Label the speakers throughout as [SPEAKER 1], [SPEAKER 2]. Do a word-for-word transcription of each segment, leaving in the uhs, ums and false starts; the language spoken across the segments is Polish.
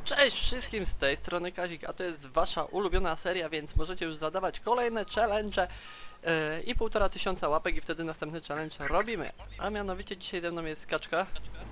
[SPEAKER 1] Cześć wszystkim, z tej strony Kazik, a to jest wasza ulubiona seria, więc możecie już zadawać kolejne challenge yy, i półtora tysiąca łapek i wtedy następny challenge robimy. A mianowicie dzisiaj ze mną jest Kaczka.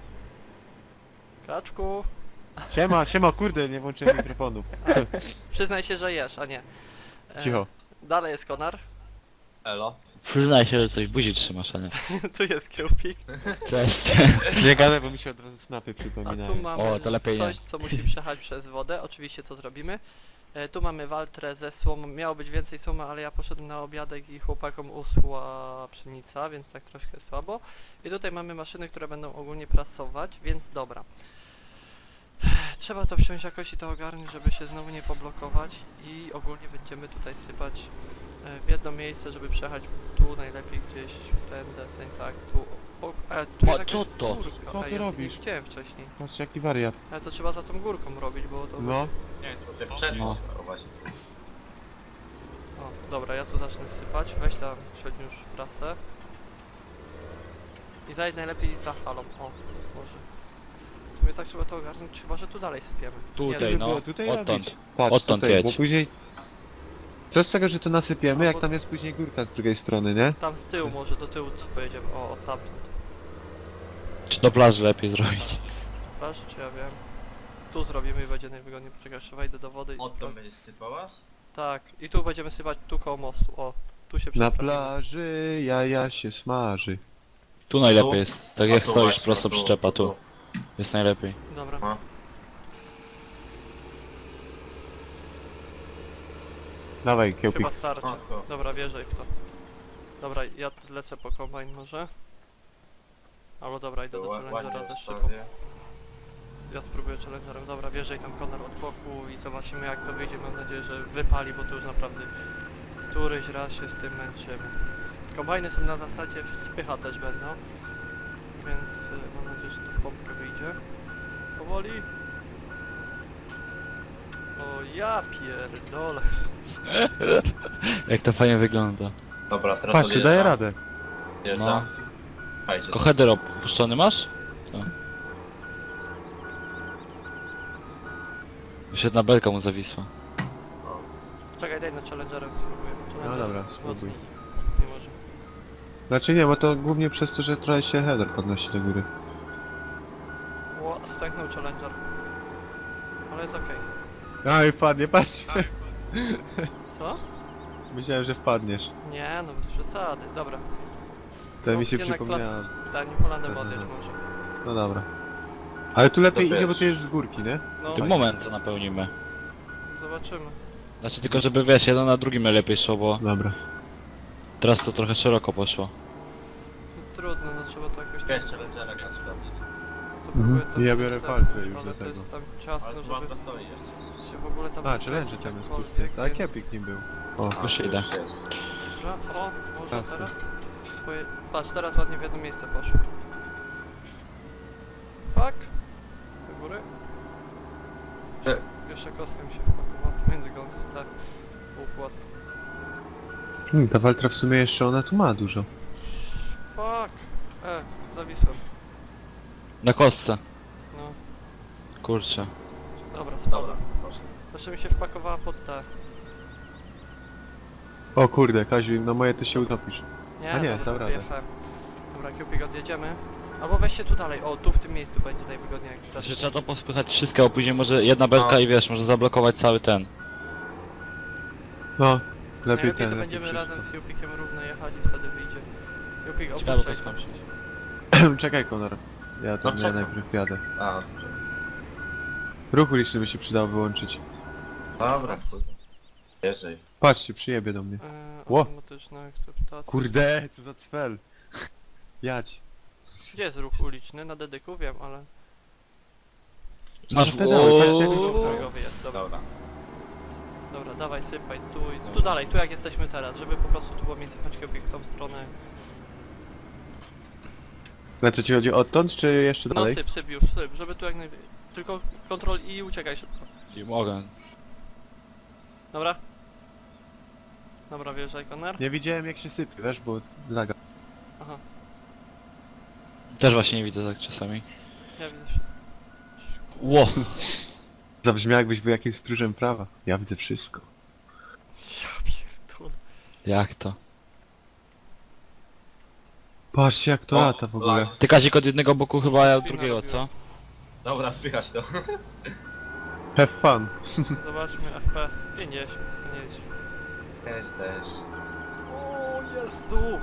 [SPEAKER 1] Kaczku,
[SPEAKER 2] Siema, siema, kurde, nie włączyłem mikrofonu.
[SPEAKER 1] przyznaj się, że jesz, a nie. Yy,
[SPEAKER 2] Cicho.
[SPEAKER 1] Dalej jest Konar,
[SPEAKER 3] Elo.
[SPEAKER 4] Przyznaj się, że coś w buzi trzymasz, a nie.
[SPEAKER 1] tu jest Kiełpik,
[SPEAKER 4] Cześć.
[SPEAKER 2] Nie gadaj, bo mi się od razu snapy
[SPEAKER 1] a
[SPEAKER 2] przypominają.
[SPEAKER 1] tu mamy
[SPEAKER 4] O, to lepiej
[SPEAKER 1] coś,
[SPEAKER 4] nie.
[SPEAKER 1] co musi przejechać przez wodę, oczywiście to zrobimy. E, tu mamy waltrę ze słomą, miało być więcej słomy, ale ja poszedłem na obiadek i chłopakom uschła pszenica, więc tak troszkę słabo. I tutaj mamy maszyny, które będą ogólnie prasować, więc dobra. Trzeba to wsiąść jakoś i to ogarnąć, żeby się znowu nie poblokować i ogólnie będziemy tutaj sypać e, w jedno miejsce, żeby przejechać tu najlepiej gdzieś ten deseń, tak, tu. O, e, tu
[SPEAKER 4] O,
[SPEAKER 1] jest jakaś
[SPEAKER 4] co to?
[SPEAKER 1] górka.
[SPEAKER 2] Co
[SPEAKER 1] A,
[SPEAKER 2] ty
[SPEAKER 1] ja
[SPEAKER 2] robisz?
[SPEAKER 1] Nie widziałem wcześniej.
[SPEAKER 2] Patrz jaki wariat.
[SPEAKER 1] Ale to trzeba za tą górką robić, bo to...
[SPEAKER 2] No,
[SPEAKER 3] Nie, to ty przed
[SPEAKER 4] No.
[SPEAKER 3] no. właśnie.
[SPEAKER 1] O, dobra, ja tu zacznę sypać. Weź tam siodź już prasę. I zajdź najlepiej za falą. O, może. W sumie tak trzeba to ogarnąć, chyba że tu dalej sypiemy.
[SPEAKER 4] Tutaj,
[SPEAKER 1] Nie,
[SPEAKER 2] żeby
[SPEAKER 4] no,
[SPEAKER 2] było tutaj
[SPEAKER 4] odtąd.
[SPEAKER 2] robić. Patrz,
[SPEAKER 4] Odtąd
[SPEAKER 2] tutaj,
[SPEAKER 4] jedź.
[SPEAKER 2] bo później... Co z tego, że to nasypiemy,
[SPEAKER 1] No,
[SPEAKER 2] jak
[SPEAKER 1] bo-
[SPEAKER 2] tam jest później górka z drugiej strony, nie?
[SPEAKER 1] Tam z tyłu może, do tyłu co pojedziemy. O, od tamtąd.
[SPEAKER 4] Czy do plaży lepiej zrobić?
[SPEAKER 1] Proszę, czy ja wiem. Tu zrobimy i będzie najwygodniej. Poczekaj, jeszcze wejdę do wody i
[SPEAKER 3] Odtąd
[SPEAKER 1] sprawdzę.
[SPEAKER 3] będziesz sypałaś?
[SPEAKER 1] Tak, i tu będziemy sypać tu koło mostu. O, tu się
[SPEAKER 2] Na
[SPEAKER 1] przesprawimy.
[SPEAKER 2] plaży jaja się smaży.
[SPEAKER 4] Tu najlepiej jest. Tak
[SPEAKER 3] A
[SPEAKER 4] jak
[SPEAKER 3] tu
[SPEAKER 4] stoisz
[SPEAKER 3] właśnie,
[SPEAKER 4] prosto
[SPEAKER 3] tu,
[SPEAKER 4] przyczepa,
[SPEAKER 3] tu,
[SPEAKER 4] tu. Jest najlepiej.
[SPEAKER 1] Dobra.
[SPEAKER 3] No.
[SPEAKER 2] Dawaj, kiełpik.
[SPEAKER 1] Chyba starczy.
[SPEAKER 3] O, to.
[SPEAKER 1] Dobra, wjeżdżaj w to. Dobra, ja lecę po kombajn może. Albo dobra, idę do
[SPEAKER 3] To ła-
[SPEAKER 1] challengera
[SPEAKER 3] ładnie
[SPEAKER 1] ze szybą.
[SPEAKER 3] rozstawię.
[SPEAKER 1] Ja spróbuję challengerem. Dobra, wjeżdżaj tam Konar od boku i zobaczymy jak to wyjdzie. Mam nadzieję, że wypali, bo to już naprawdę któryś raz się z tym męczymy. Kombajny są na zasadzie spycha też będą. Więc y, mam nadzieję, że to w pompkę wyjdzie. Powoli. O ja pierdolę.
[SPEAKER 4] Jak to fajnie wygląda.
[SPEAKER 3] Dobra, teraz
[SPEAKER 2] Patrzcie, daje
[SPEAKER 3] odjeżdżam.
[SPEAKER 2] radę.
[SPEAKER 3] Odjeżdżam. Fajnie.
[SPEAKER 4] Tylko header opuszczony masz? Co? Już jedna belka mu zawisła.
[SPEAKER 1] Czekaj, daj na challengerem spróbuję.
[SPEAKER 2] No
[SPEAKER 1] Challenger
[SPEAKER 2] dobra, spróbuj.
[SPEAKER 1] mocniej. Nie może.
[SPEAKER 2] Znaczy nie, bo to głównie przez to, że trochę się header podnosi do góry.
[SPEAKER 1] Ło, stęknął challenger. Ale jest okej.
[SPEAKER 2] A i wpadnie, patrz.
[SPEAKER 1] Co?
[SPEAKER 2] Myślałem, że wpadniesz.
[SPEAKER 1] Nie, no bez przesady. Dobra.
[SPEAKER 2] To
[SPEAKER 1] No,
[SPEAKER 2] mi się
[SPEAKER 1] jednak
[SPEAKER 2] przypomniało.
[SPEAKER 1] klasy z Tanim Holandem
[SPEAKER 2] Aha.
[SPEAKER 1] odjeść może.
[SPEAKER 2] No dobra. Ale tu lepiej
[SPEAKER 3] To
[SPEAKER 2] idzie, bo
[SPEAKER 3] wiesz.
[SPEAKER 2] to jest z górki, nie?
[SPEAKER 1] No,
[SPEAKER 4] Tym moment to napełnimy.
[SPEAKER 1] zobaczymy.
[SPEAKER 4] Znaczy tylko żeby wiesz, jedno na drugim lepiej szło, bo
[SPEAKER 2] Dobra.
[SPEAKER 4] teraz to trochę szeroko poszło.
[SPEAKER 1] Trudno, no trzeba to jakoś...
[SPEAKER 3] Wiesz, challengera Kaczka.
[SPEAKER 1] To
[SPEAKER 2] Mhm.
[SPEAKER 1] próbuję to
[SPEAKER 2] Ja
[SPEAKER 1] zrobić
[SPEAKER 2] biorę
[SPEAKER 1] tak,
[SPEAKER 2] palce już
[SPEAKER 1] ale
[SPEAKER 2] do
[SPEAKER 1] to
[SPEAKER 2] tego.
[SPEAKER 1] jest tam
[SPEAKER 3] Ale
[SPEAKER 1] ciasno,
[SPEAKER 3] tu
[SPEAKER 1] żeby
[SPEAKER 3] ładno stoi jeszcze.
[SPEAKER 1] się w ogóle tam...
[SPEAKER 2] A,
[SPEAKER 1] skręcić
[SPEAKER 2] challenge tam jest
[SPEAKER 1] jakkolwiek,
[SPEAKER 2] pusty. Tak,
[SPEAKER 1] więc-
[SPEAKER 2] Epic nim był. O,
[SPEAKER 3] A,
[SPEAKER 4] Już
[SPEAKER 3] tu
[SPEAKER 4] idę.
[SPEAKER 3] jest.
[SPEAKER 1] Dobra, o, może
[SPEAKER 2] Jasne.
[SPEAKER 1] teraz? Poje... Patrz, teraz ładnie w jedno miejsce poszło. Fuck! Do góry.
[SPEAKER 3] Ty.
[SPEAKER 1] Jeszcze kostkę mi się wpakował między gąsce. Układ.
[SPEAKER 2] hmm, ta Waltra w sumie jeszcze ona tu ma dużo.
[SPEAKER 1] Fuck! E, zawisłem.
[SPEAKER 4] Na kostce.
[SPEAKER 1] No,
[SPEAKER 4] Kurczę.
[SPEAKER 1] dobra,
[SPEAKER 3] Dobra,
[SPEAKER 1] spadłem.
[SPEAKER 3] proszę.
[SPEAKER 1] Jeszcze mi się wpakowała pod te.
[SPEAKER 2] O kurde, Kaziu, no moje to się utopisz.
[SPEAKER 1] Nie,
[SPEAKER 2] A nie,
[SPEAKER 1] dobra,
[SPEAKER 2] dam radę.
[SPEAKER 1] wyjechałem. Dobra, Kiełpik, odjedziemy. Albo weźcie tu dalej, o, tu w tym miejscu będzie najwygodniej jak
[SPEAKER 4] Znaczy
[SPEAKER 1] też.
[SPEAKER 4] trzeba to pospychać wszystko, a później może jedna belka
[SPEAKER 3] No.
[SPEAKER 4] i wiesz, może zablokować cały ten.
[SPEAKER 2] No, lepiej
[SPEAKER 1] Najlepiej
[SPEAKER 2] ten,
[SPEAKER 1] to
[SPEAKER 2] lepiej
[SPEAKER 1] będziemy
[SPEAKER 2] wszystko.
[SPEAKER 1] razem z Kiełpikiem równo jechać i wtedy wyjdzie. Kiełpik,
[SPEAKER 4] Ciekawe
[SPEAKER 1] opuszczaj
[SPEAKER 4] to
[SPEAKER 1] to.
[SPEAKER 4] skończyć.
[SPEAKER 2] Czekaj, Konar. Ja to
[SPEAKER 3] No,
[SPEAKER 2] ja
[SPEAKER 3] czekam.
[SPEAKER 2] najpierw jadę.
[SPEAKER 3] A, dobrze.
[SPEAKER 2] Ruch uliczny by się przydało wyłączyć.
[SPEAKER 3] Dobra, super. Jeżdżaj.
[SPEAKER 2] Patrzcie, przyjebie do mnie.
[SPEAKER 1] Eee,
[SPEAKER 2] Ło.
[SPEAKER 1] automatyczna akceptacja.
[SPEAKER 2] Kurde, co za cfel. Jadź.
[SPEAKER 1] Gdzie jest ruch uliczny? Na dedyku wiem, ale...
[SPEAKER 4] Masz
[SPEAKER 2] pedały, patrzcie, jak
[SPEAKER 4] Ooo.
[SPEAKER 2] dużo-
[SPEAKER 1] Drogowy jest, dobra.
[SPEAKER 3] Dobra.
[SPEAKER 1] Dobra, dawaj, sypaj, tu i tu dalej, tu jak jesteśmy teraz, żeby po prostu tu było miejsce pchnąć Kiełpik w tą stronę.
[SPEAKER 2] Znaczy ci chodzi odtąd, czy jeszcze
[SPEAKER 1] No
[SPEAKER 2] dalej?
[SPEAKER 1] syp, syp już, syp, żeby tu jak naj... Tylko kontrol i uciekaj szybko.
[SPEAKER 4] Nie mogę.
[SPEAKER 1] Dobra? Dobra, wjeżdżaj, Konar.
[SPEAKER 2] Nie widziałem jak się sypie, wiesz, bo laga.
[SPEAKER 1] Aha,
[SPEAKER 4] Też właśnie nie widzę tak czasami.
[SPEAKER 1] ja widzę wszystko.
[SPEAKER 4] Ło!
[SPEAKER 2] Zabrzmiał jakbyś był jakimś stróżem prawa. Ja widzę wszystko.
[SPEAKER 1] Ja pierdolę.
[SPEAKER 4] Jak to?
[SPEAKER 2] Patrzcie jak to
[SPEAKER 3] O,
[SPEAKER 2] lata w ogóle.
[SPEAKER 3] lag.
[SPEAKER 4] Ty Kazik od jednego boku chyba, ja od
[SPEAKER 1] Spina
[SPEAKER 4] drugiego,
[SPEAKER 1] robiła.
[SPEAKER 4] co?
[SPEAKER 3] Dobra, wpychać to.
[SPEAKER 2] Have fun.
[SPEAKER 1] Zobaczmy F P S. pięćdziesiąt, to nie jest.
[SPEAKER 3] Też, też.
[SPEAKER 1] O Jezu!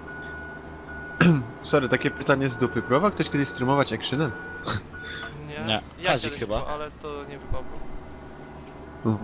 [SPEAKER 2] Sorry, takie pytanie z dupy. Próbował ktoś kiedyś streamować actionem?
[SPEAKER 1] Nie.
[SPEAKER 4] Nie,
[SPEAKER 1] Ja
[SPEAKER 4] Kazik
[SPEAKER 1] kiedyś
[SPEAKER 4] chyba.
[SPEAKER 1] było, ale to nie wypałko.
[SPEAKER 2] Mhm.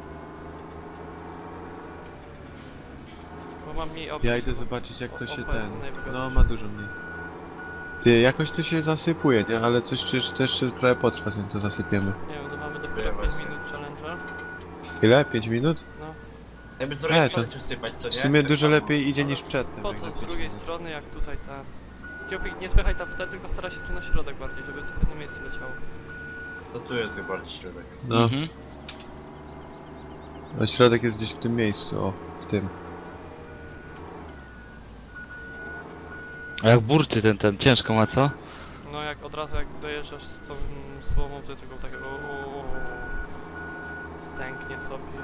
[SPEAKER 1] Bo mam mniej opcji.
[SPEAKER 2] Ja idę zobaczyć jak to
[SPEAKER 1] O-
[SPEAKER 2] się
[SPEAKER 1] O P S
[SPEAKER 2] ten...
[SPEAKER 1] najwygodniejszy.
[SPEAKER 2] No ma dużo mniej. Ty, jakoś to się zasypuje, nie? Ale coś też, też trochę potrwa, zanim to zasypiemy.
[SPEAKER 1] Nie wiem, no mamy dopiero
[SPEAKER 3] Ja
[SPEAKER 1] pięć
[SPEAKER 3] właśnie.
[SPEAKER 1] minut challenge'a.
[SPEAKER 2] Ile? pięć minut?
[SPEAKER 1] No.
[SPEAKER 3] Jakby z
[SPEAKER 2] E,
[SPEAKER 3] drugiej
[SPEAKER 2] to-
[SPEAKER 3] strony coś sypać, co nie?
[SPEAKER 2] W sumie
[SPEAKER 3] Tak
[SPEAKER 2] dużo
[SPEAKER 3] samo.
[SPEAKER 2] lepiej idzie
[SPEAKER 1] Ale
[SPEAKER 2] niż przedtem.
[SPEAKER 1] Po
[SPEAKER 2] jak
[SPEAKER 1] co
[SPEAKER 2] za
[SPEAKER 1] z
[SPEAKER 2] pięć
[SPEAKER 1] drugiej
[SPEAKER 2] minut.
[SPEAKER 1] strony, jak tutaj ta... Kiełpik, nie spychaj tam wtedy, tylko stara się tu na środek bardziej, żeby to w jedno miejsce leciało.
[SPEAKER 3] To tu jest chyba bardziej środek.
[SPEAKER 2] No,
[SPEAKER 4] Mhm.
[SPEAKER 2] a środek jest gdzieś w tym miejscu, o, w tym.
[SPEAKER 4] A jak burczy ten, ten, ciężko ma, co?
[SPEAKER 1] No jak od razu jak dojeżdżasz z tą słomą, to tylko takiego... Stęknie sobie.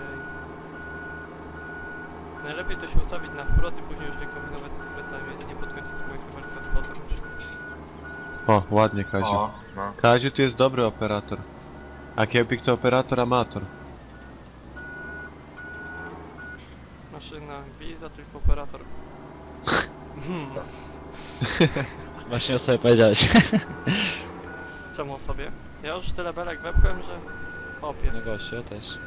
[SPEAKER 1] Najlepiej to się ustawić na wprost i później już nie kombinować z skręcami, jedynie pod koniec moich chyba tylko potem już.
[SPEAKER 2] O, ładnie Kaziu.
[SPEAKER 3] O, no.
[SPEAKER 2] Kaziu tu jest dobry operator. A Kiełpik to operator amator.
[SPEAKER 1] Maszyna wiza, tylko operator. Hmm.
[SPEAKER 4] Właśnie o sobie powiedziałeś.
[SPEAKER 1] Czemu o sobie? Ja już tyle belek wepłem, że... Opie.
[SPEAKER 4] No gościu, ja też.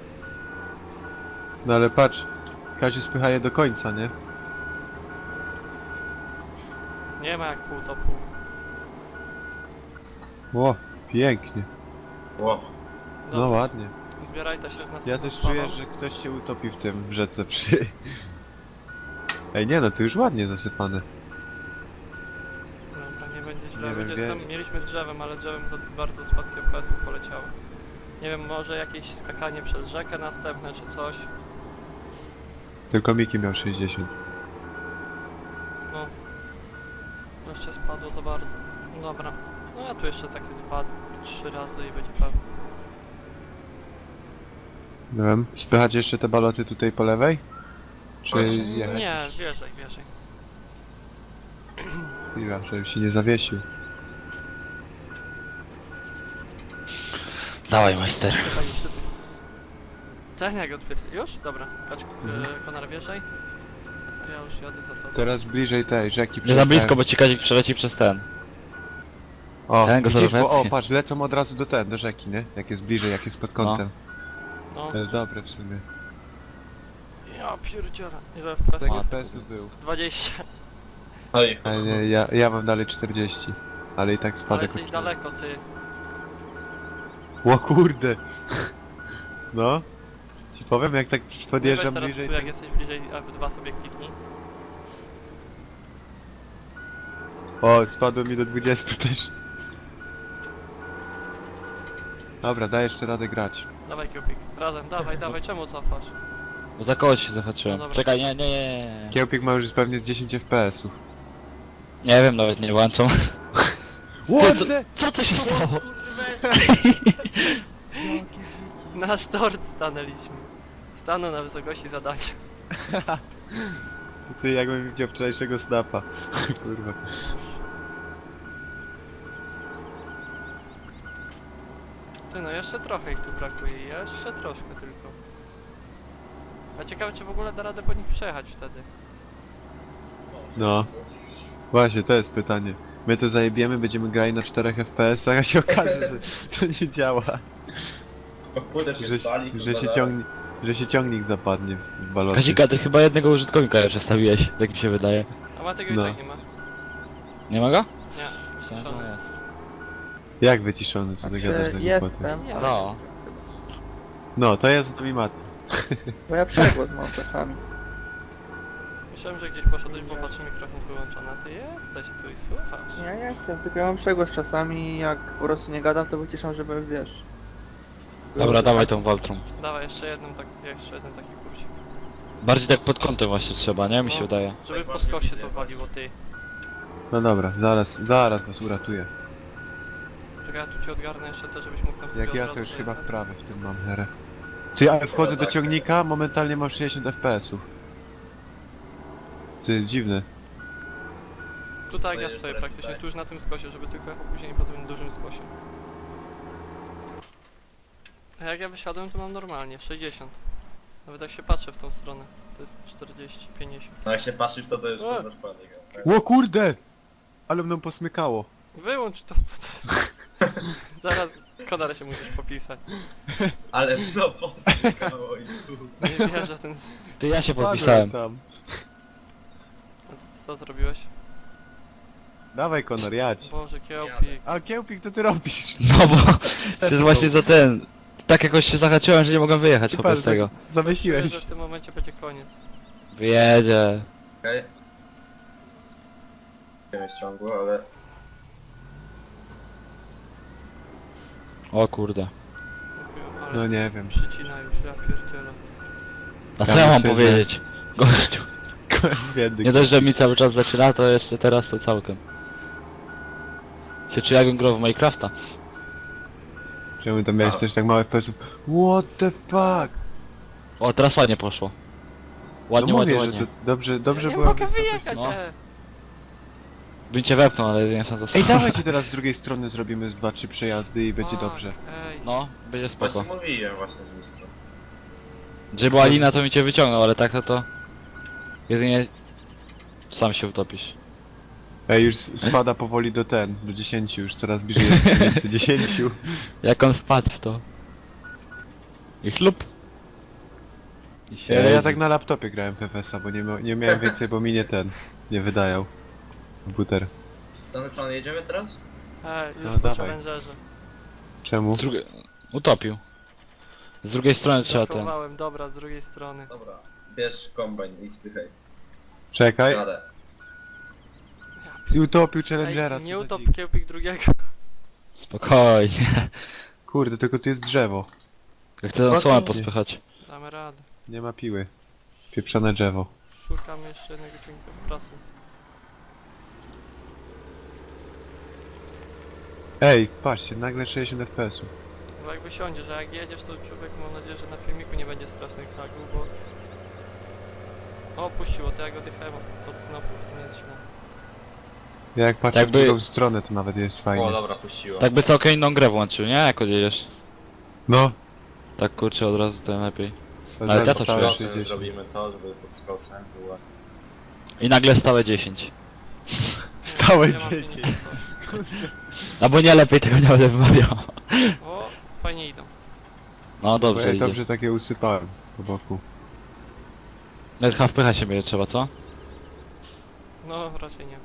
[SPEAKER 2] No ale patrz, Kaziu spycha je do końca, nie?
[SPEAKER 1] Nie ma jak pół to pół.
[SPEAKER 2] Ło, pięknie.
[SPEAKER 3] Ło.
[SPEAKER 2] No
[SPEAKER 1] Dobra,
[SPEAKER 2] ładnie.
[SPEAKER 1] zbierajcie się z nas.
[SPEAKER 2] Ja też czuję, że ktoś się utopi w tym w rzece przy... Ej nie no, to już ładnie zasypane.
[SPEAKER 1] Dobra, nie będzie źle.
[SPEAKER 2] Nie wiem,
[SPEAKER 1] będzie,
[SPEAKER 2] wie-
[SPEAKER 1] tam mieliśmy drzewem, ale drzewem to bardzo spadki F P S-ów poleciały. Nie wiem, może jakieś skakanie przez rzekę następne czy coś.
[SPEAKER 2] Tylko Miki miał sześćdziesiąt.
[SPEAKER 1] No. Jeszcze spadło za bardzo. No dobra. No ja tu jeszcze takie dwa, trzy razy i będzie pewnie.
[SPEAKER 2] Nie wiem, spychać jeszcze te baloty tutaj po lewej? Czy
[SPEAKER 3] Właśnie,
[SPEAKER 2] jak?
[SPEAKER 1] Nie, wierzej, wierzej.
[SPEAKER 2] Chwila, żebym się nie zawiesił.
[SPEAKER 4] Dawaj, majster.
[SPEAKER 1] Chyba już typy. Ten jak odpierdzi... Już? Dobra. Patrz,
[SPEAKER 2] Mhm.
[SPEAKER 1] e, Konar wierzej. A ja już jadę za tobą.
[SPEAKER 2] Teraz bliżej tej rzeki.
[SPEAKER 4] Nie za blisko,
[SPEAKER 2] przyjechałem.
[SPEAKER 4] bo ci Kazik przeleci przez ten.
[SPEAKER 2] O,
[SPEAKER 4] Ten go
[SPEAKER 2] widzisz,
[SPEAKER 4] zaraz
[SPEAKER 2] bo, o
[SPEAKER 4] wepchnie.
[SPEAKER 2] patrz, lecą od razu do ten, do rzeki, nie? Jak jest bliżej, jak jest pod kątem.
[SPEAKER 1] No.
[SPEAKER 2] To jest dobre w sumie.
[SPEAKER 1] Ja pierdzielę. Ile F P S?
[SPEAKER 2] Tego
[SPEAKER 4] Matko.
[SPEAKER 2] F P S-u był.
[SPEAKER 1] dwadzieścia.
[SPEAKER 3] Oj,
[SPEAKER 2] Ale nie, ja, ja mam dalej czterdzieści. Ale i tak
[SPEAKER 1] Ale
[SPEAKER 2] spadek
[SPEAKER 1] jesteś
[SPEAKER 2] o cztery.
[SPEAKER 1] daleko, ty.
[SPEAKER 2] O kurde! No. Ci powiem, jak tak
[SPEAKER 1] Nie
[SPEAKER 2] podjeżdżam
[SPEAKER 1] weź teraz
[SPEAKER 2] bliżej,
[SPEAKER 1] tu, jak
[SPEAKER 2] to...
[SPEAKER 1] jesteś bliżej, F dwa sobie kliknij.
[SPEAKER 2] O, spadło mi do dwudziestu też. Dobra, daj jeszcze radę grać.
[SPEAKER 1] Dawaj Kiełpik. Razem, dawaj, dawaj, czemu cofasz?
[SPEAKER 4] Bo za kogoś się zahaczyłem.
[SPEAKER 1] No dobra.
[SPEAKER 4] Czekaj, nie, nie, nie, nie.
[SPEAKER 2] Kiełpik ma już pewnie z dziesięć F P S-ów.
[SPEAKER 4] Nie wiem, nawet nie włączą.
[SPEAKER 2] What
[SPEAKER 4] co-
[SPEAKER 2] the...
[SPEAKER 4] Co to się stało?
[SPEAKER 1] Nasz tort stanęliśmy. Stanął na wysokości zadania.
[SPEAKER 2] Ty jakbym widział wczorajszego snapa. Kurwa.
[SPEAKER 1] Ty no, jeszcze trochę ich tu brakuje, jeszcze troszkę tylko. A ciekawe, czy w ogóle da radę po nich przejechać wtedy.
[SPEAKER 2] No. Właśnie, to jest pytanie. My to zajebiemy, będziemy grali na czterech F P S-ach, a się okaże, że to nie działa.
[SPEAKER 3] o kurde, się
[SPEAKER 2] Że,
[SPEAKER 3] spali,
[SPEAKER 2] że, się
[SPEAKER 3] kurwa,
[SPEAKER 2] ciągnie, że się ciągnik zapadnie w balocie.
[SPEAKER 4] Kazika, ty chyba jednego użytkownika przestawiłeś, tak mi się wydaje.
[SPEAKER 1] A ma tego
[SPEAKER 2] No.
[SPEAKER 1] i tak nie ma.
[SPEAKER 4] Nie ma go?
[SPEAKER 1] Nie, wyciszony.
[SPEAKER 2] Jak wyciszony, co ty
[SPEAKER 5] Znaczy,
[SPEAKER 2] gadasz za głupoty?
[SPEAKER 5] jestem,
[SPEAKER 1] Nie,
[SPEAKER 4] No.
[SPEAKER 2] No, to jest z nami Maty.
[SPEAKER 5] bo ja przegłos mam czasami.
[SPEAKER 1] Myślałem, że gdzieś poszedłeś, bo patrzę, mikrofon wyłączony. A ty jesteś tu i słuchasz.
[SPEAKER 5] Ja jestem, tylko ja mam przegłos czasami, jak po prostu nie gadam, to wyciszam, żeby wiesz.
[SPEAKER 4] Dobra, dawaj tą Waltrą.
[SPEAKER 1] Dawaj, jeszcze jedną tak, jeszcze jeden taki kursik.
[SPEAKER 4] Bardziej tak pod kątem właśnie trzeba, nie? Mi się
[SPEAKER 1] No.
[SPEAKER 4] wydaje.
[SPEAKER 1] Żeby po skosie to waliło, ty.
[SPEAKER 2] No dobra, zaraz, zaraz was uratuję.
[SPEAKER 1] Czekaj, ja tu ci odgarnę jeszcze to, żebyś mógł tam sobie
[SPEAKER 2] Jak
[SPEAKER 1] od
[SPEAKER 2] ja
[SPEAKER 1] razu
[SPEAKER 2] to już chyba
[SPEAKER 1] dojechać.
[SPEAKER 2] wprawy w tym mam herę. Ty, ale wchodzę do
[SPEAKER 3] tak.
[SPEAKER 2] ciągnika, momentalnie mam sześćdziesiąt F P S ów. Ty, dziwne.
[SPEAKER 1] Tu tak ja
[SPEAKER 3] Pojedziesz
[SPEAKER 1] stoję
[SPEAKER 3] teraz
[SPEAKER 1] praktycznie,
[SPEAKER 3] tutaj.
[SPEAKER 1] tu już na tym skosie, żeby tylko jechał później po tym dużym skosie. A jak ja wysiadłem, to mam normalnie, sześćdziesiąt. Nawet jak się patrzę w tą stronę, to jest czterdzieści, pięćdziesiąt.
[SPEAKER 3] No jak się patrzysz, to to jest
[SPEAKER 1] O!
[SPEAKER 3] kurwa spadek. tak?
[SPEAKER 2] Ło kurde! Ale mną posmykało.
[SPEAKER 1] Wyłącz to, co to... Zaraz Konara się musisz popisać.
[SPEAKER 3] Ale no posykało i tu.
[SPEAKER 1] Nie wierzę ten... s-
[SPEAKER 4] Ty, ja się
[SPEAKER 2] Padłem
[SPEAKER 4] podpisałem.
[SPEAKER 2] tam.
[SPEAKER 1] A co, co zrobiłeś?
[SPEAKER 2] Dawaj Konor, jadź.
[SPEAKER 1] Boże, kiełpik.
[SPEAKER 2] A Kiełpik, co ty robisz?
[SPEAKER 4] No bo się właśnie za ten... Tak jakoś się zahaczyłem, że nie mogłem wyjechać
[SPEAKER 2] Ty
[SPEAKER 4] chłopie z
[SPEAKER 2] patrz,
[SPEAKER 4] tego.
[SPEAKER 2] tak zawiesiłeś.
[SPEAKER 1] Czuję, że w tym momencie będzie koniec.
[SPEAKER 4] Wyjedzie.
[SPEAKER 3] Okej. Nie jest ciągło, ale...
[SPEAKER 4] O kurde.
[SPEAKER 1] Mówię, ale
[SPEAKER 2] No nie wiem.
[SPEAKER 1] przycina już, ja pierdzielę.
[SPEAKER 4] A co
[SPEAKER 2] Ja
[SPEAKER 4] ja mam
[SPEAKER 2] myślę, że-
[SPEAKER 4] powiedzieć? Gościu.
[SPEAKER 2] Biedny.
[SPEAKER 4] Nie dość, że mi cały czas zaczyna, to jeszcze teraz to całkiem. Się czy jakbym grał w Minecrafta?
[SPEAKER 2] Czemu tam miałeś
[SPEAKER 3] A.
[SPEAKER 2] też tak małe F P S ów? What the fuck?
[SPEAKER 4] O, teraz ładnie poszło. Ładnie,
[SPEAKER 2] no
[SPEAKER 4] ładnie,
[SPEAKER 2] mówię,
[SPEAKER 4] ładnie.
[SPEAKER 2] że to dobrze, dobrze
[SPEAKER 1] ja nie
[SPEAKER 2] była
[SPEAKER 1] mogę
[SPEAKER 2] wysokość.
[SPEAKER 1] wyjechać,
[SPEAKER 4] no.
[SPEAKER 1] e.
[SPEAKER 4] Bym cię wepnął, ale nie wiem to
[SPEAKER 2] Ej, dawajcie teraz z drugiej strony zrobimy z dwa trzy przejazdy i będzie
[SPEAKER 1] Fuck,
[SPEAKER 2] dobrze.
[SPEAKER 1] Ej.
[SPEAKER 4] No, będzie spoko.
[SPEAKER 3] Właśnie mówiłem właśnie z mistrza.
[SPEAKER 4] Gdzie była lina, to mi cię wyciągnął, ale tak to to... Jedynie... Sam się utopisz.
[SPEAKER 2] Ej, już spada powoli do ten, do dziesięciu, już coraz bliżej jest między dziesięciu.
[SPEAKER 4] Jak on wpadł w to. I chlub. I się
[SPEAKER 2] Ale ja tak na laptopie grałem w F S a, bo nie, mia- nie miałem więcej, bo mi nie ten, nie wydajał. Komputer.
[SPEAKER 3] Z danej strony jedziemy teraz?
[SPEAKER 1] Ej, już
[SPEAKER 2] No,
[SPEAKER 1] po
[SPEAKER 2] dawaj.
[SPEAKER 1] challengerze.
[SPEAKER 2] Czemu?
[SPEAKER 4] Z drugiej... Utopił. Z drugiej strony trzeba ten...
[SPEAKER 1] Zachowałem, dobra, z drugiej strony.
[SPEAKER 3] Dobra. Bierz kombajn i spychaj.
[SPEAKER 2] Czekaj.
[SPEAKER 3] Jadę.
[SPEAKER 2] I utopił Challengera,
[SPEAKER 1] Ej, nie
[SPEAKER 2] co za
[SPEAKER 1] utop
[SPEAKER 2] dzik.
[SPEAKER 1] kiełpik drugiego.
[SPEAKER 4] Spokojnie.
[SPEAKER 2] Kurde, tylko tu jest drzewo.
[SPEAKER 4] Ja chcę tą słomę pospychać.
[SPEAKER 1] Damy radę.
[SPEAKER 2] Nie ma piły. Pieprzone drzewo.
[SPEAKER 1] Szukam jeszcze jednego ciągnika z prasą.
[SPEAKER 2] Ej, patrzcie, nagle sześćdziesiąt F P S ów.
[SPEAKER 1] Bo jak wysiądziesz, a jak jedziesz, to człowiek mam nadzieję, że na filmiku nie będzie strasznych lagów, bo... O, puściło, to jak odjechałem od snopów, to nie jest źle.
[SPEAKER 2] Ja jak patrzę
[SPEAKER 4] Jakby-
[SPEAKER 2] w drugą stronę, to nawet jest fajnie.
[SPEAKER 3] O dobra, puściło.
[SPEAKER 4] Tak by całkiem inną grę włączył, nie? Jak odjedziesz.
[SPEAKER 2] No.
[SPEAKER 4] Tak kurczę od razu to lepiej.
[SPEAKER 2] to
[SPEAKER 4] Ale ja
[SPEAKER 2] zaraz
[SPEAKER 4] to
[SPEAKER 2] stałe
[SPEAKER 4] czuję.
[SPEAKER 3] Skosem
[SPEAKER 2] sześćdziesiąt.
[SPEAKER 3] zrobimy to, żeby pod skosem było.
[SPEAKER 4] I nagle stałe dziesięć.
[SPEAKER 2] Stałe
[SPEAKER 1] Nie mam
[SPEAKER 2] dziesięć.
[SPEAKER 1] nic.
[SPEAKER 4] Albo nie, lepiej tego nie będę wymawiał.
[SPEAKER 1] O, fajnie idą.
[SPEAKER 4] No
[SPEAKER 2] Bo
[SPEAKER 4] dobrze
[SPEAKER 2] ja
[SPEAKER 4] idzie.
[SPEAKER 2] dobrze takie usypałem po boku.
[SPEAKER 4] Nawet chyba wpychać się będzie trzeba, co?
[SPEAKER 1] No, raczej nie.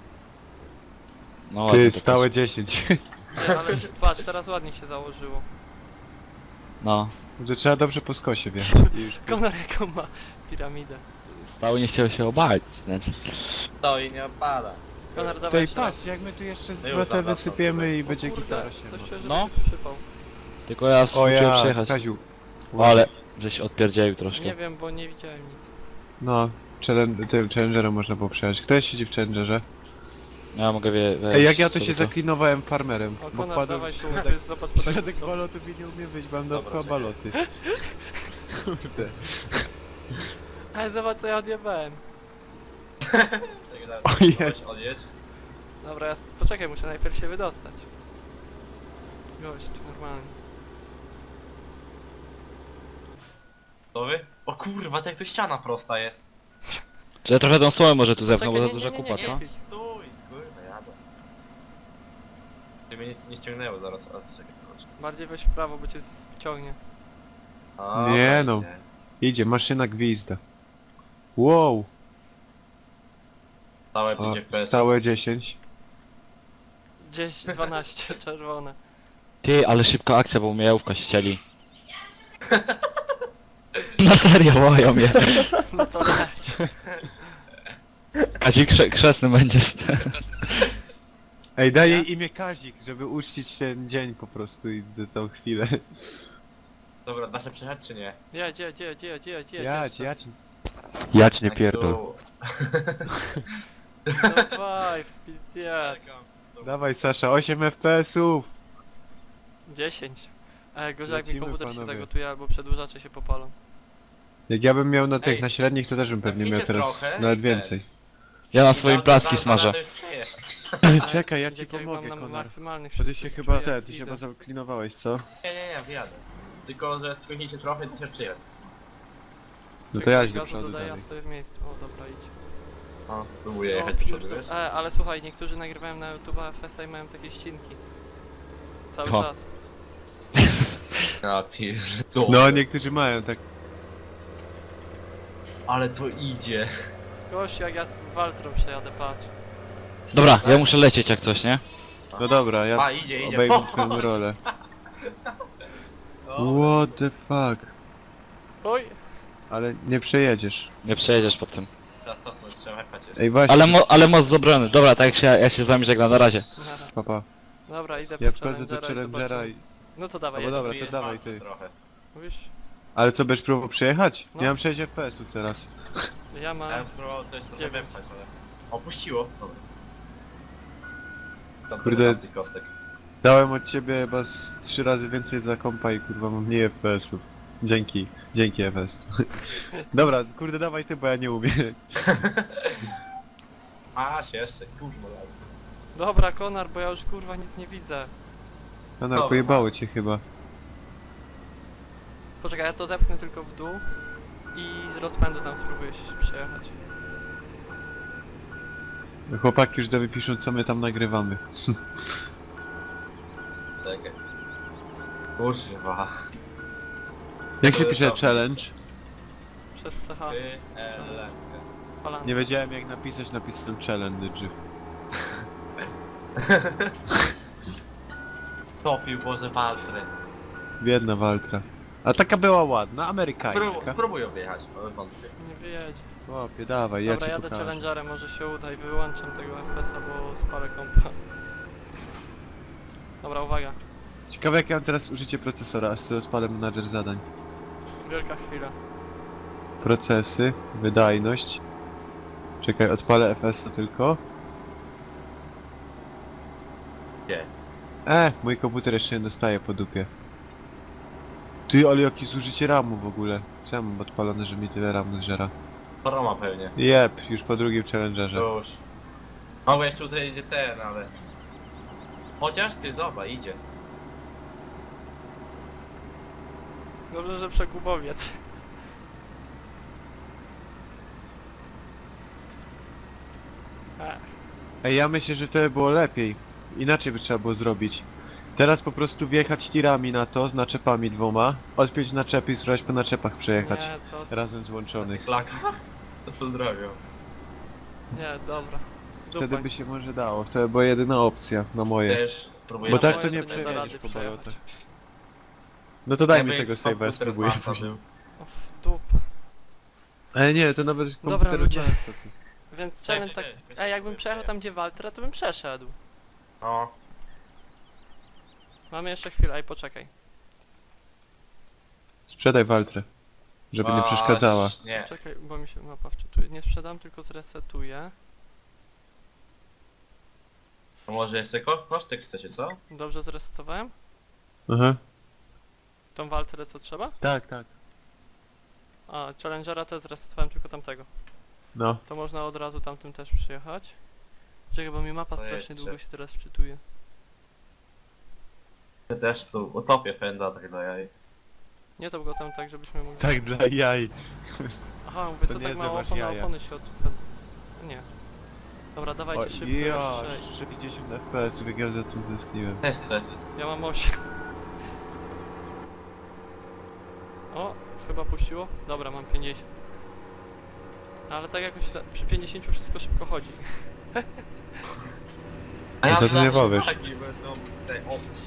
[SPEAKER 4] No ładnie
[SPEAKER 2] Ty,
[SPEAKER 4] to
[SPEAKER 2] stałe dziesięć.
[SPEAKER 1] Nie, ale patrz, teraz ładnie się założyło.
[SPEAKER 4] poszło. No.
[SPEAKER 2] Że trzeba dobrze po skosie wjechać. I już...
[SPEAKER 1] Konor jaką ma piramidę.
[SPEAKER 4] Stały nie chciał się obalić. Znaczy.
[SPEAKER 3] To i nie opada.
[SPEAKER 1] Konor, dawaj
[SPEAKER 2] Tej
[SPEAKER 1] jeszcze raz.
[SPEAKER 2] patrz, jak my tu jeszcze z
[SPEAKER 3] No już
[SPEAKER 2] dwa te
[SPEAKER 3] zawracam
[SPEAKER 2] wysypiemy
[SPEAKER 3] tutaj.
[SPEAKER 2] i
[SPEAKER 1] O
[SPEAKER 2] będzie
[SPEAKER 1] kurde,
[SPEAKER 2] gitara się.
[SPEAKER 1] coś czuję, że
[SPEAKER 4] No.
[SPEAKER 1] no. przypał.
[SPEAKER 4] Tylko ja
[SPEAKER 2] O
[SPEAKER 4] współczuję
[SPEAKER 2] ja,
[SPEAKER 4] przyjechać.
[SPEAKER 2] Kaziu.
[SPEAKER 4] O, ale żeś odpierdzielił troszkę.
[SPEAKER 1] Nie wiem, bo nie widziałem nic.
[SPEAKER 2] No, challenge- tym Challengerem można było przejechać. Kto jest siedzi w Challengerze?
[SPEAKER 4] Ja mogę wie, wejść
[SPEAKER 2] Ej, jak ja to
[SPEAKER 4] sobie
[SPEAKER 2] się zaklinowałem farmerem.
[SPEAKER 1] O,
[SPEAKER 2] bo
[SPEAKER 1] Konor,
[SPEAKER 2] wpadłem
[SPEAKER 1] dawaj
[SPEAKER 2] w
[SPEAKER 1] tu,
[SPEAKER 2] środek,
[SPEAKER 1] jest, zobacz po
[SPEAKER 2] w środek
[SPEAKER 1] takim
[SPEAKER 2] balotów i nie umiem wyjść, mam
[SPEAKER 3] Dobra,
[SPEAKER 2] dookoła
[SPEAKER 3] czekaj.
[SPEAKER 2] baloty. Kurde.
[SPEAKER 1] Ale zobacz co ja odjebałem.
[SPEAKER 2] O jest.
[SPEAKER 3] Odjedź.
[SPEAKER 1] Dobra, ja... poczekaj, muszę najpierw się wydostać. Gość, normalnie.
[SPEAKER 3] Gotowy? O kurwa, to jak to ściana prosta jest.
[SPEAKER 4] Czy ja trochę tą słomę może tu zepnę, bo
[SPEAKER 1] Czekaj,
[SPEAKER 4] za
[SPEAKER 1] nie,
[SPEAKER 4] duża
[SPEAKER 1] nie, nie,
[SPEAKER 4] kupa,
[SPEAKER 1] nie,
[SPEAKER 4] co?
[SPEAKER 1] nie.
[SPEAKER 3] Stój, kurde, jadę. Ty mnie nie, nie ściągnęło zaraz, a czekaj, proszę.
[SPEAKER 1] Bardziej weź w prawo, bo cię wciągnie.
[SPEAKER 3] A,
[SPEAKER 2] Nie
[SPEAKER 3] to
[SPEAKER 2] no.
[SPEAKER 3] idzie.
[SPEAKER 2] Idzie, maszyna gwizda. Wow,
[SPEAKER 3] Stałe
[SPEAKER 2] o,
[SPEAKER 3] pięć F P S.
[SPEAKER 2] stałe dziesięć.
[SPEAKER 1] dziesięć, dwanaście, czerwone.
[SPEAKER 4] Ty, ale szybka akcja, bo mnie jałówka ścieli. Na serio, wołają mnie.
[SPEAKER 1] No to leć.
[SPEAKER 4] Kazik krze krzesny będziesz.
[SPEAKER 2] Ej, daj jej imię Kazik, żeby uczcić ten dzień po prostu i za całą chwilę.
[SPEAKER 3] Dobra, da się przejechać czy nie?
[SPEAKER 1] Jedź, jedź, jedź, jedź, jedź, jedź.
[SPEAKER 2] Jać,
[SPEAKER 1] jeszcze.
[SPEAKER 2] jać. Jać nie
[SPEAKER 3] Tak
[SPEAKER 2] pierdol.
[SPEAKER 3] tu.
[SPEAKER 1] Dawaj, w pizdzie.
[SPEAKER 2] Dawaj Sasza, osiem F P S ów.
[SPEAKER 1] dziesięć. E, gorzej jak mi
[SPEAKER 2] Lecimy,
[SPEAKER 1] komputer się
[SPEAKER 2] panowie.
[SPEAKER 1] zagotuje albo przedłużacze się popalą.
[SPEAKER 2] Jak ja bym miał na tych,
[SPEAKER 3] Ej,
[SPEAKER 2] na średnich, to też bym pewnie miał
[SPEAKER 3] napijcie
[SPEAKER 2] teraz
[SPEAKER 3] trochę
[SPEAKER 2] nawet
[SPEAKER 3] i
[SPEAKER 2] więcej.
[SPEAKER 4] Ja na
[SPEAKER 3] I
[SPEAKER 4] swoim
[SPEAKER 3] da-
[SPEAKER 4] plaski
[SPEAKER 3] da-
[SPEAKER 4] smażę.
[SPEAKER 3] da- już przejechać.
[SPEAKER 2] Czekaj, ja
[SPEAKER 1] Wiecie,
[SPEAKER 2] ci
[SPEAKER 1] jak
[SPEAKER 2] pomogę,
[SPEAKER 1] mam na
[SPEAKER 2] Konar.
[SPEAKER 1] maksymalnych
[SPEAKER 2] Bo ty się
[SPEAKER 1] wszystkich,
[SPEAKER 2] chyba,
[SPEAKER 1] czuję,
[SPEAKER 2] te,
[SPEAKER 1] jak
[SPEAKER 2] ty się
[SPEAKER 1] idę.
[SPEAKER 2] chyba zaklinowałeś, co?
[SPEAKER 3] Nie, nie, nie, wyjadę. Tylko, że spóźnicie trochę, to się przyjadę.
[SPEAKER 2] No
[SPEAKER 1] Jak
[SPEAKER 2] to ja
[SPEAKER 1] ktoś
[SPEAKER 2] idź do
[SPEAKER 1] gazu
[SPEAKER 2] przodu
[SPEAKER 1] dodaje, ja
[SPEAKER 2] dalej.
[SPEAKER 1] stoję w miejscu. O, dobra, idź.
[SPEAKER 3] No, próbuję
[SPEAKER 1] O,
[SPEAKER 3] jechać do przodu,
[SPEAKER 1] pierdol-
[SPEAKER 3] wiesz?
[SPEAKER 1] E, ale słuchaj, niektórzy nagrywają na YouTube F S A i mają takie ścinki. Cały
[SPEAKER 4] O.
[SPEAKER 1] czas.
[SPEAKER 3] Ja pierdolę.
[SPEAKER 2] No, niektórzy mają tak.
[SPEAKER 3] Ale to idzie.
[SPEAKER 1] Gość, jak ja Waltrą przejadę, patrz.
[SPEAKER 4] Dobra, ja muszę lecieć jak coś, nie?
[SPEAKER 2] No dobra, ja
[SPEAKER 3] A, idzie, idzie.
[SPEAKER 2] obejmę twoją rolę.
[SPEAKER 3] O,
[SPEAKER 2] What the fuck?
[SPEAKER 1] Oj!
[SPEAKER 2] Ale nie przejedziesz.
[SPEAKER 4] Nie przejedziesz po tym.
[SPEAKER 3] teraz cofnąć, trzeba jechać jeszcze.
[SPEAKER 2] Ej, właśnie,
[SPEAKER 4] Ale, mo ale moc z obrony. Dobra, tak jak się, ja się z wami żegnam, na razie.
[SPEAKER 2] papa.
[SPEAKER 1] Dobra, idę
[SPEAKER 2] Ja
[SPEAKER 1] po
[SPEAKER 2] wchodzę do
[SPEAKER 1] Challengera i
[SPEAKER 2] Challengera
[SPEAKER 1] zobaczymy.
[SPEAKER 2] i...
[SPEAKER 1] No to dawaj,
[SPEAKER 2] No bo
[SPEAKER 1] jedź.
[SPEAKER 2] dobra, to
[SPEAKER 3] Próbuję
[SPEAKER 2] dawaj
[SPEAKER 3] palcem
[SPEAKER 2] ty.
[SPEAKER 3] Trochę.
[SPEAKER 1] Mówisz?
[SPEAKER 2] Ale co, będziesz próbował przejechać?
[SPEAKER 1] No.
[SPEAKER 2] Ja mam sześć F P S-ów teraz.
[SPEAKER 1] Ja
[SPEAKER 3] Ja
[SPEAKER 1] mam...
[SPEAKER 3] bym próbował też trochę
[SPEAKER 1] Dziewięć.
[SPEAKER 3] wepchać, ale... Opuściło. Dobra. Tam
[SPEAKER 2] Kurde.
[SPEAKER 3] tyle tamtych kostek.
[SPEAKER 2] Dałem od ciebie chyba z trzy razy więcej za kompa i kurwa mam mniej F P S-ów. Dzięki, dzięki F S. Dobra, kurde dawaj ty, bo ja nie umiem.
[SPEAKER 3] Masz jeszcze, kurwa.
[SPEAKER 1] Dobra, Konar, bo ja już kurwa nic nie widzę.
[SPEAKER 2] No no,
[SPEAKER 3] Dobra.
[SPEAKER 2] pojebało cię chyba.
[SPEAKER 1] Poczekaj, ja to zepchnę tylko w dół i z rozpędu tam spróbuję się przejechać.
[SPEAKER 2] Chłopaki już do wypiszą, co my tam nagrywamy.
[SPEAKER 3] Czekaj. Kurwa.
[SPEAKER 2] Jak się
[SPEAKER 3] To
[SPEAKER 2] pisze
[SPEAKER 3] jest
[SPEAKER 2] challenge?
[SPEAKER 1] Przez C H.
[SPEAKER 3] Ty, ele.
[SPEAKER 1] Palanka.
[SPEAKER 2] Nie wiedziałem jak napisać, napisałem challenge.
[SPEAKER 3] Topił Boże Waltry.
[SPEAKER 2] Biedna Waltra. A taka była ładna,
[SPEAKER 3] Spró
[SPEAKER 2] amerykańska.
[SPEAKER 3] spróbuj objechać, ale wątpię.
[SPEAKER 1] Nie wyjedź.
[SPEAKER 2] Chłopie, dawaj, ja
[SPEAKER 1] Dobra,
[SPEAKER 2] ci
[SPEAKER 1] jadę
[SPEAKER 2] pokażę.
[SPEAKER 1] Challengerem, może się uda i wyłączam tego F S A, bo spalę kompa. Dobra, uwaga.
[SPEAKER 2] Ciekawe jak ja mam teraz użycie procesora, aż sobie odpalę menadżer zadań.
[SPEAKER 1] Wielka chwila.
[SPEAKER 2] Procesy, wydajność. Czekaj, odpalę F S A tylko.
[SPEAKER 3] Gdzie?
[SPEAKER 2] E, mój komputer jeszcze nie dostaje po dupie. Ty, ale jakie zużycie ramu w ogóle. Czemu mam odpalone, że mi tyle ramu zżera?
[SPEAKER 3] Roma pewnie.
[SPEAKER 2] Jep, już po drugim challengerze.
[SPEAKER 3] Już. No bo jeszcze tutaj idzie ten, ale... Chociaż ty zobacz, idzie.
[SPEAKER 1] Dobrze, że przekupowiec. E,
[SPEAKER 2] Ej, ja myślę, że to by było lepiej. Inaczej by trzeba było zrobić. Teraz po prostu wjechać tirami na to, z naczepami dwoma, odpiąć naczepy i spróbować po naczepach przejechać.
[SPEAKER 1] nie, co ty?
[SPEAKER 2] Razem złączonych.
[SPEAKER 3] Klaka? To pozdrawiam.
[SPEAKER 1] Nie, dobra.
[SPEAKER 2] Wtedy
[SPEAKER 1] Dupaj.
[SPEAKER 2] by się może dało. To by była jedyna opcja na moje.
[SPEAKER 3] Też spróbuję...
[SPEAKER 2] Bo tak
[SPEAKER 1] Moje
[SPEAKER 2] to nie
[SPEAKER 1] nie da
[SPEAKER 2] przejedziesz
[SPEAKER 1] rady
[SPEAKER 2] po
[SPEAKER 1] przejechać.
[SPEAKER 2] bolotach. No to daj mi
[SPEAKER 3] Jakby
[SPEAKER 2] tego save'a, ja
[SPEAKER 3] komputer
[SPEAKER 2] spróbuję
[SPEAKER 3] z NASA
[SPEAKER 2] później.
[SPEAKER 3] był.
[SPEAKER 1] O, w dup.
[SPEAKER 2] Ale nie, to nawet
[SPEAKER 1] Dobra,
[SPEAKER 2] komputer
[SPEAKER 1] ludzie.
[SPEAKER 2] z NASA.
[SPEAKER 1] Więc
[SPEAKER 3] Czekaj,
[SPEAKER 1] challenge tak...
[SPEAKER 3] czekaj, czekaj,
[SPEAKER 1] Ej, jakbym
[SPEAKER 3] spróbuję
[SPEAKER 1] przejechał tam gdzie Waltra, to bym przeszedł.
[SPEAKER 3] No.
[SPEAKER 1] Mamy jeszcze chwilę, ej, poczekaj.
[SPEAKER 2] Sprzedaj Waltrę. Żeby nie przeszkadzała.
[SPEAKER 3] Nie.
[SPEAKER 1] Czekaj, bo mi się mapa wczytuje. Nie sprzedam, tylko zresetuję.
[SPEAKER 3] To może jeszcze ko kosztek chcecie, co?
[SPEAKER 1] Dobrze zresetowałem?
[SPEAKER 2] Aha.
[SPEAKER 1] Tą Waltrę co trzeba?
[SPEAKER 2] Tak, tak.
[SPEAKER 1] A, Challengera też zresetowałem tylko tamtego.
[SPEAKER 2] No.
[SPEAKER 1] To można od razu tamtym też przyjechać. Czekaj, bo mi mapa
[SPEAKER 3] Pojedźcie.
[SPEAKER 1] strasznie długo się teraz wczytuje.
[SPEAKER 3] Ja też tu utopię pęda tak do jaj.
[SPEAKER 1] Nie to go tam tak, żebyśmy mogli...
[SPEAKER 2] Tak dla jaj.
[SPEAKER 1] Aha, mówię,
[SPEAKER 2] To
[SPEAKER 1] co
[SPEAKER 2] nie
[SPEAKER 1] tak mało
[SPEAKER 2] zobacz
[SPEAKER 1] opon,
[SPEAKER 2] jaja.
[SPEAKER 1] opony się od... Nie. Dobra, dawajcie
[SPEAKER 2] O,
[SPEAKER 1] szybko
[SPEAKER 2] ja,
[SPEAKER 1] jeszcze.
[SPEAKER 2] pięćdziesiąt F P S-ów, jak ja za tym zyskniłem.
[SPEAKER 3] Też chcę.
[SPEAKER 1] Ja mam osiem. O, chyba puściło? Dobra, mam pięćdziesiąt. Ale tak jakoś za, przy pięćdziesięciu wszystko szybko chodzi.
[SPEAKER 3] A
[SPEAKER 2] No to ty nie
[SPEAKER 3] mam
[SPEAKER 2] powiesz.
[SPEAKER 3] taki, bo są te opcje.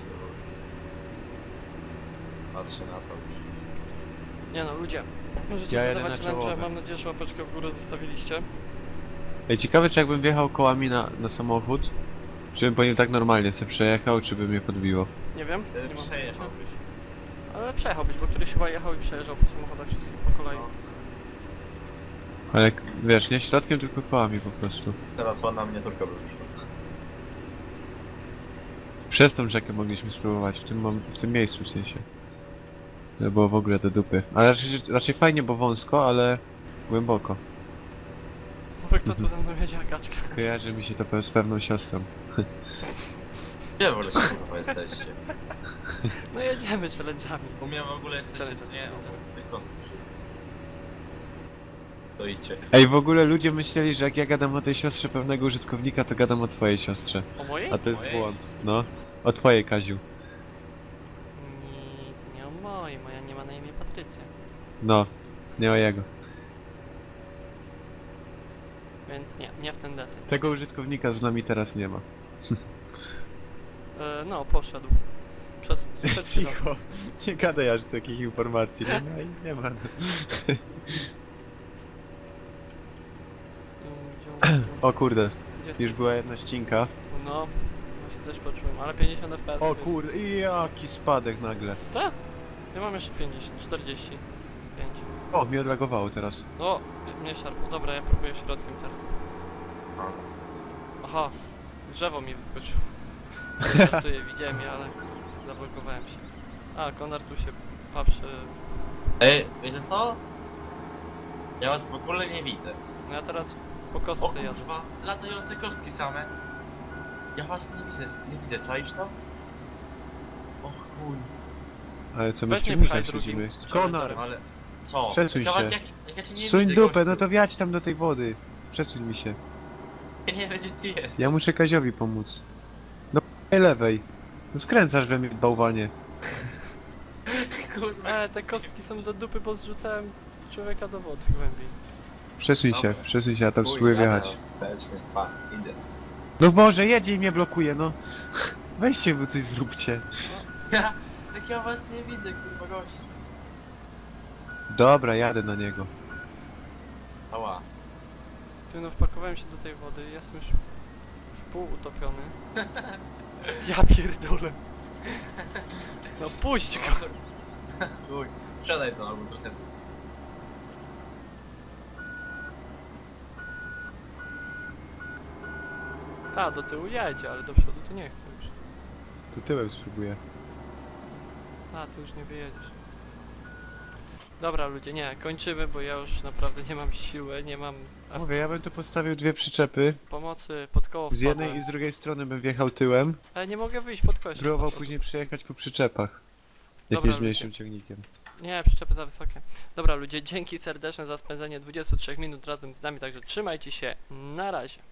[SPEAKER 3] Patrzę na to.
[SPEAKER 1] Nie no, ludzie. Możecie
[SPEAKER 2] Ja jadę
[SPEAKER 1] zadawać
[SPEAKER 2] na
[SPEAKER 1] challenge,
[SPEAKER 2] czołowe.
[SPEAKER 1] mam nadzieję, że łapeczkę w górę zostawiliście.
[SPEAKER 2] Ej, ciekawe czy jakbym wjechał kołami na, na samochód, czy bym po nim tak normalnie sobie przejechał, czy by mnie podbiło.
[SPEAKER 1] Nie wiem,
[SPEAKER 3] Ty
[SPEAKER 1] nie mam pojęcia.
[SPEAKER 3] przejechałbyś.
[SPEAKER 1] Ale przejechałbyś, bo któryś chyba jechał i przejeżdżał po samochodach wszystkich po kolei.
[SPEAKER 2] Ale jak, wiesz, nie środkiem, tylko kołami po prostu.
[SPEAKER 3] Teraz ładna miniaturka by wyszła.
[SPEAKER 2] Przez tą rzekę mogliśmy spróbować, w tym, mom- w tym miejscu w sensie. To było w ogóle do dupy. Ale raczej, raczej fajnie, bo wąsko, ale głęboko.
[SPEAKER 1] Bo kto tu ze mną jedzie, Agaczka?
[SPEAKER 2] Kojarzy mi się to pe- z pewną siostrą.
[SPEAKER 3] Gdzie w ogóle kurwa jesteście?
[SPEAKER 1] No jedziemy challenge'ami.
[SPEAKER 3] U mnie w ogóle jesteście,
[SPEAKER 1] Wczoraj
[SPEAKER 3] nie? Wykosy wszyscy. To idźcie.
[SPEAKER 2] Ej, w ogóle ludzie myśleli, że jak ja gadam o tej siostrze pewnego użytkownika, to gadam o twojej siostrze.
[SPEAKER 1] O mojej?
[SPEAKER 2] A to jest
[SPEAKER 3] Mojej?
[SPEAKER 2] błąd. No. O twojej, Kaziu.
[SPEAKER 1] Nie, to nie o mojej, moja nie ma na imię Patrycja.
[SPEAKER 2] No. Nie o jego.
[SPEAKER 1] Więc nie, nie w ten deseń.
[SPEAKER 2] Tego użytkownika z nami teraz nie ma.
[SPEAKER 1] E, no, poszedł. Przez, przez chwilę.
[SPEAKER 2] Cicho. Nie gadaj aż takich informacji. Nie ma i nie ma.
[SPEAKER 1] Mm, gdzie-
[SPEAKER 2] O kurde,
[SPEAKER 1] gdzie
[SPEAKER 2] już
[SPEAKER 1] jesteś?
[SPEAKER 2] była jedna ścinka.
[SPEAKER 1] No, właśnie też poczułem, ale pięćdziesiąt F P S.
[SPEAKER 2] O kurde, i jaki spadek nagle.
[SPEAKER 1] Tak? Ja mam jeszcze pięćdziesiąt, czterdzieści pięć.
[SPEAKER 2] O, mnie odlagowało teraz.
[SPEAKER 1] O, mnie szarpło. Dobra, ja próbuję środkiem teraz. Aha, drzewo mi wyskoczyło. Żartuję, widziałem je, ale zablokowałem się. A, Konar tu się patrzy.
[SPEAKER 3] Ej, wiecie co? Ja was w ogóle nie widzę.
[SPEAKER 1] No ja teraz po
[SPEAKER 3] O
[SPEAKER 1] kostce jadę.
[SPEAKER 3] kurwa, latające kostki same. Ja was nie widzę, nie widzę, czaisz to? O chuj.
[SPEAKER 2] Ale co my
[SPEAKER 1] Weź
[SPEAKER 2] w
[SPEAKER 1] nie
[SPEAKER 2] ciągnikach
[SPEAKER 1] pchaj
[SPEAKER 2] siedzimy?
[SPEAKER 1] drugim.
[SPEAKER 2] Konar!
[SPEAKER 3] Ale co?
[SPEAKER 2] Przesuń
[SPEAKER 3] ja was,
[SPEAKER 2] się.
[SPEAKER 3] Jak, jak ja cię nie
[SPEAKER 2] Suń
[SPEAKER 3] widzę,
[SPEAKER 2] dupę,
[SPEAKER 3] gościu.
[SPEAKER 2] no to wjadź tam do tej wody. Przesuń mi się.
[SPEAKER 3] Ja nie wiem gdzie ty jest.
[SPEAKER 2] Ja muszę Kaziowi pomóc. No p***ej lewej. No skręcasz we mnie w bałwanie.
[SPEAKER 3] Kurwa.
[SPEAKER 1] E, te kostki są do dupy, bo zrzucałem człowieka do wody głębiej.
[SPEAKER 2] Przesuń się,
[SPEAKER 3] Dobra.
[SPEAKER 2] przesuń się, ja tam
[SPEAKER 3] Chuj,
[SPEAKER 2] spróbuję
[SPEAKER 3] jadę
[SPEAKER 2] wjechać.
[SPEAKER 3] wsteczny, pa, idę.
[SPEAKER 2] No Boże, jedzie i mnie blokuje, no. Weźcie, bo coś zróbcie.
[SPEAKER 3] Ja, jak ja was nie widzę, kurwa gość.
[SPEAKER 2] Dobra, jadę na niego.
[SPEAKER 3] Ała.
[SPEAKER 1] Ty no wpakowałem się do tej wody, jestem już w pół utopiony. Ja pierdolę. No puść go.
[SPEAKER 3] Chuj, sprzedaj to albo z resetu.
[SPEAKER 1] Ta, do tyłu jedzie, ale do przodu to nie chcę już.
[SPEAKER 2] Tu tyłem spróbuję.
[SPEAKER 1] A, ty już nie wyjedziesz. Dobra ludzie, nie, kończymy, bo ja już naprawdę nie mam siły, nie mam a
[SPEAKER 2] Mówię, ja bym tu postawił dwie przyczepy.
[SPEAKER 1] pomocy, pod koło
[SPEAKER 2] Z jednej
[SPEAKER 1] wpadłem.
[SPEAKER 2] i z drugiej strony bym wjechał tyłem.
[SPEAKER 1] Ale nie mogę wyjść pod koło jeszcze
[SPEAKER 2] Próbował
[SPEAKER 1] poszło.
[SPEAKER 2] później przejechać po przyczepach.
[SPEAKER 1] Dobra,
[SPEAKER 2] Jakimś mniejszym ciągnikiem.
[SPEAKER 1] Nie, przyczepy za wysokie. Dobra ludzie, dzięki serdeczne za spędzenie dwudziestu trzech minut razem z nami, także trzymajcie się, na razie.